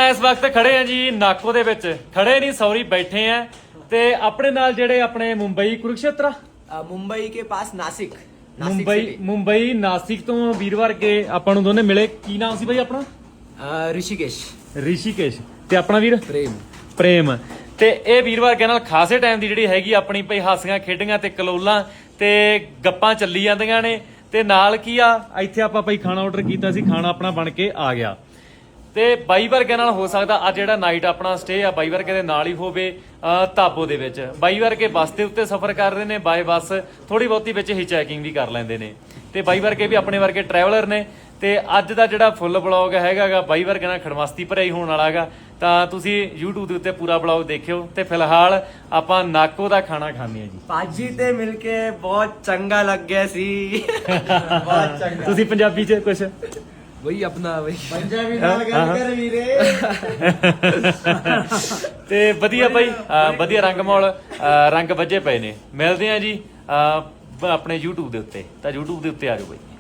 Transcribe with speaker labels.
Speaker 1: ਇਸ ਵਕਤ ਖੜੇ ਆ ਜੀ ਨਾਕੋ ਦੇ ਵਿੱਚ, ਖੜੇ ਨਹੀਂ ਸੌਰੀ ਬੈਠੇ ਆ ਤੇ ਆਪਣੇ ਨਾਲ ਜਿਹੜੇ ਆਪਣੇ ਮੁੰਬਈ ਕੁਰੂਕਸ਼ੇਤਰ
Speaker 2: मुंबई के पास नासिक
Speaker 1: ਮੁੰਬਈ ਨਾਸਿਕ ਤੋਂ ਵੀਰਵਾਰ ਕੇ ਆਪਾਂ ਨੂੰ ਦੋਨੇ ਮਿਲੇ। ਕੀ ਨਾਮ ਸੀ ਬਾਈ ਆਪਣਾ?
Speaker 2: ऋषिकेश
Speaker 1: ਰਿਸ਼ੀਕੇਸ਼ ਤੇ ਆਪਣਾ ਵੀਰ ਪ੍ਰੇਮ। ਤੇ ਇਹ ਵੀਰਵਾਰ ਕੇ ਨਾਲ ਖਾਸੇ ਟਾਈਮ ਦੀ ਜਿਹੜੀ ਹੈਗੀ ਆਪਣੀ ਭਈ ਹਾਸੀਆਂ ਖੇਡੀਆਂ ਤੇ ਕਲੋਲਾਂ ਤੇ ਗੱਪਾਂ ਚੱਲੀ ਜਾਂਦੀਆਂ ਨੇ। ਤੇ ਨਾਲ ਕੀ ਆ ਇੱਥੇ ਆਪਾਂ ਭਈ ਖਾਣਾ ਆਰਡਰ ਕੀਤਾ ਸੀ, ਖਾਣਾ ਆਪਣਾ ਬਣ ਕੇ ਆ ਗਿਆ। ਤੇ ਬਾਈ ਵਰਗੇ ਨਾਲ ਹੋ ਸਕਦਾ ਅੱਜ ਜਿਹੜਾ ਨਾਈਟ ਆਪਣਾ ਸਟੇ ਆ ਬਾਈ ਵਰਗੇ ਦੇ ਨਾਲ ਹੀ ਹੋਵੇ ਧਾਬੋ ਦੇ ਵਿੱਚ। ਬਾਈ ਵਰਗੇ ਬੱਸ ਦੇ ਉੱਤੇ ਸਫ਼ਰ ਕਰ ਰਹੇ ਨੇ, ਬਾਏ ਬੱਸ ਥੋੜੀ ਬਹੁਤੀ ਵਿੱਚ ਹੀ ਚੈਕਿੰਗ ਵੀ ਕਰ ਲੈਂਦੇ ਨੇ। ਤੇ ਬਾਈ ਵਰਗੇ ਵੀ ਆਪਣੇ ਵਰਗੇ ਟਰੈਵਲਰ ਨੇ। ਤੇ ਅੱਜ ਦਾ ਜਿਹੜਾ ਫੁੱਲ ਬਲੌਗ ਹੈਗਾ ਬਾਈ ਵਰਗੇ ਨਾਲ ਖੜਮਸਤੀ ਭਰਿਆ ਹੀ ਹੋਣ ਵਾਲਾ ਹੈਗਾ। ਤਾਂ ਤੁਸੀਂ YouTube ਦੇ ਉੱਤੇ ਪੂਰਾ ਬਲੌਗ ਦੇਖਿਓ। ਤੇ ਫਿਲਹਾਲ ਆਪਾਂ ਨਾਕੋ ਦਾ ਖਾਣਾ ਖਾਂਦੇ ਆ ਜੀ।
Speaker 2: पाजी ते मिलके बहुत चंगा लग गया सी बहुत चंगा।
Speaker 1: ਤੁਸੀਂ ਪੰਜਾਬੀ ਚ ਕੁਛ
Speaker 2: वही अपना वही
Speaker 3: पंजाबी नाल गल कर वीरे।
Speaker 1: ਤੇ ਵਧੀਆ ਬਾਈ, ਵਧੀਆ ਰੰਗ ਮੌਲ ਰੰਗ ਵੱਜੇ ਪਏ ਨੇ। ਮਿਲਦੇ ਆ ਜੀ ਆਪਣੇ YouTube ਦੇ ਉੱਤੇ। ਤਾਂ YouTube ਦੇ ਉੱਤੇ ਆ ਜਾਓ ਬਾਈ।